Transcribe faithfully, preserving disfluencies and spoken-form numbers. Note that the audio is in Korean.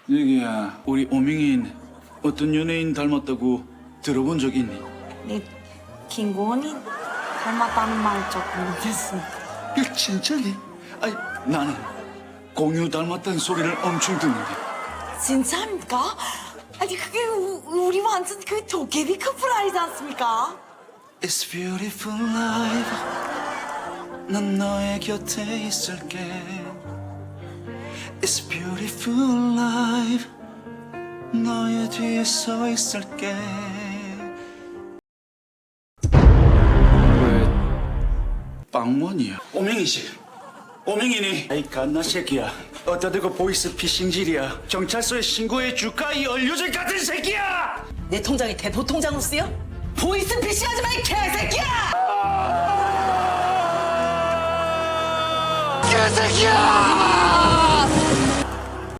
여기야, 우리 오명인 어떤 연예인 닮았다고 들어본 적 있니? 네, 김고은이 닮았다는 말 조금 듣습니다. 야, 진짜니? 아니, 나는 공유 닮았다는 소리를 엄청 듣는데. 진짜입니까? 아니 그게 우, 우리 완전 그 도깨비 커플 아니지 않습니까? It's beautiful life. 난 너의 곁에 있을게. It's beautiful life. 너의 뒤에 서 있을게. 왜 빵원이야? 오명이지. 오명이니? 아이 갓나 새끼야. 어디다 대고 보이스 피싱질이야. 경찰서에 신고해 줄까 이 얼류질 같은 새끼야! 내 통장에 대포 통장으로 쓰여? 보이스 피싱하지 마, 이 개새끼야! 개새끼야!